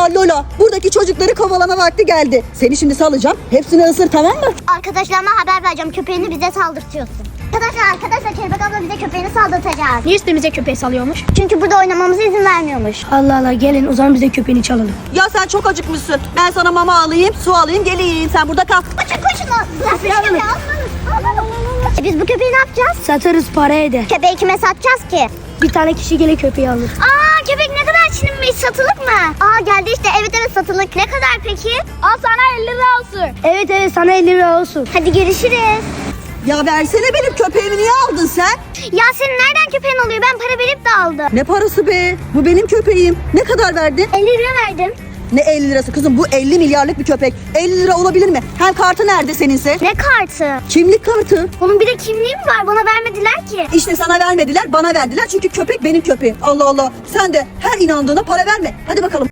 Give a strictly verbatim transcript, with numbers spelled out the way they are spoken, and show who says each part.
Speaker 1: Ya Lola, buradaki çocukları kovalama vakti geldi. Seni şimdi salacağım. Hepsini ısır, tamam mı?
Speaker 2: Arkadaşlarıma haber vereceğim. Köpeğini bize saldırtıyorsun. Arkadaşlar arkadaşlar Kelebek abla bize köpeğini saldırtacak.
Speaker 3: Niye üstümüze köpeği salıyormuş?
Speaker 2: Çünkü burada oynamamıza izin vermiyormuş.
Speaker 3: Allah Allah, gelin o zaman bize köpeğini çalalım.
Speaker 1: Ya sen çok acıkmışsın. Ben sana mama alayım, su alayım, geleyim. Sen burada kal.
Speaker 2: Koşun koşun. Bırak köpeği almanız. E biz bu köpeği ne yapacağız?
Speaker 3: Satarız, para eder.
Speaker 2: Köpeği kime satacağız ki?
Speaker 3: Bir tane kişi gelir köpeği alır.
Speaker 2: Aa köpek ne kadar çilinmiş, satılık mı? Aa geldi işte, evet evet satılık. Ne kadar peki?
Speaker 3: Al sana elli lira olsun. Evet evet, sana elli lira olsun.
Speaker 2: Hadi görüşürüz.
Speaker 1: Ya versene, benim köpeğimi niye aldın sen?
Speaker 2: Ya senin nereden köpeğin oluyor? Ben para verip de aldım.
Speaker 1: Ne parası be? Bu benim köpeğim. Ne kadar verdin?
Speaker 2: elli lira verdim.
Speaker 1: Ne elli lirası kızım? Bu elli milyarlık bir köpek. elli lira olabilir mi? Hem kartı nerede seninse?
Speaker 2: Ne kartı?
Speaker 1: Kimlik kartı.
Speaker 2: Onun bir de kimliği mi var? Bana vermediler ki.
Speaker 1: İşte sana vermediler, bana verdiler. Çünkü köpek benim köpeğim. Allah Allah. Sen de her inandığına para verme. Hadi bakalım.